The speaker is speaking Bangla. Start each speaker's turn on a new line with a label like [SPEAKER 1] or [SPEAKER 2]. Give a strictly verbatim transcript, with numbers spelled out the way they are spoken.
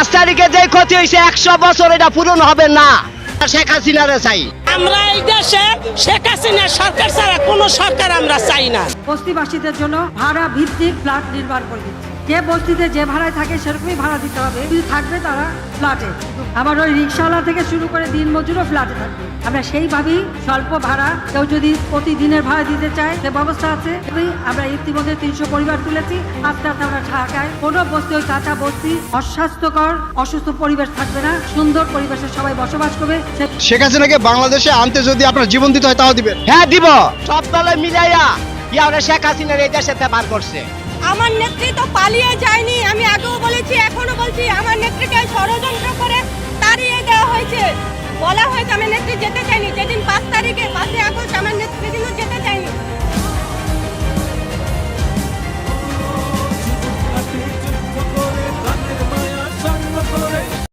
[SPEAKER 1] পাঁচ তারিখে যে ক্ষতি হয়েছে একশো বছর এটা পূরণ হবে না। শেখ হাসিনারে চাই
[SPEAKER 2] আমরা। এই দেশে শেখ হাসিনা সরকার ছাড়া কোনো সরকার আমরা চাই না।
[SPEAKER 3] বস্তিবাসীদের জন্য ভাড়া ভিত্তিক ফ্ল্যাট নির্মাণ করে দিচ্ছে। যে বস্তিতে যে ভাড়ায় থাকে সেরকমই ভাড়া দিতে হবে, কিন্তু থাকবে তারা ফ্ল্যাটে। আবার ওই রিক্সাওয়ালা থেকে শুরু করে দিন মজুরও ফ্ল্যাটে থাকবে। আমরা সেইভাবেই স্বল্প ভাড়া, কেউ যদি প্রতিদিনের ভাড়া দিতে চায় সে ব্যবস্থা আছে। আমরা ইতিমধ্যে তিনশো পরিবার তুলেছি। আস্তে আস্তে আমরা ঢাকায় কোনো বস্তি, ওই কাঁচা বস্তি, অস্বাস্থ্যকর অসুস্থ পরিবেশ থাকবে না, সুন্দর পরিবেশে সবাই বসবাস করবে।
[SPEAKER 4] শেখ হাসিনাকে বাংলাদেশে আনতে যদি আপনার জীবন দিতে হয় তাও দিবেন?
[SPEAKER 1] হ্যাঁ দিব। সব দলে মিলাইয়া ইয়ারে শেখ হাসিনার এই দেশে বার করছে।
[SPEAKER 5] আমার নেত্রী তো পালিয়ে যায়নি, আমি আগেও বলেছি এখনো বলছি, আমার নেত্রীকে ষড়যন্ত্র করে তাড়িয়ে দেওয়া হয়েছে। বলা হয়েছে আমার নেত্রী যেতে চায়নি, যেদিন পাঁচ তারিখে পাঁচই আগস্ট আমার নেত্রী কিন্তু যেতে চায়নি।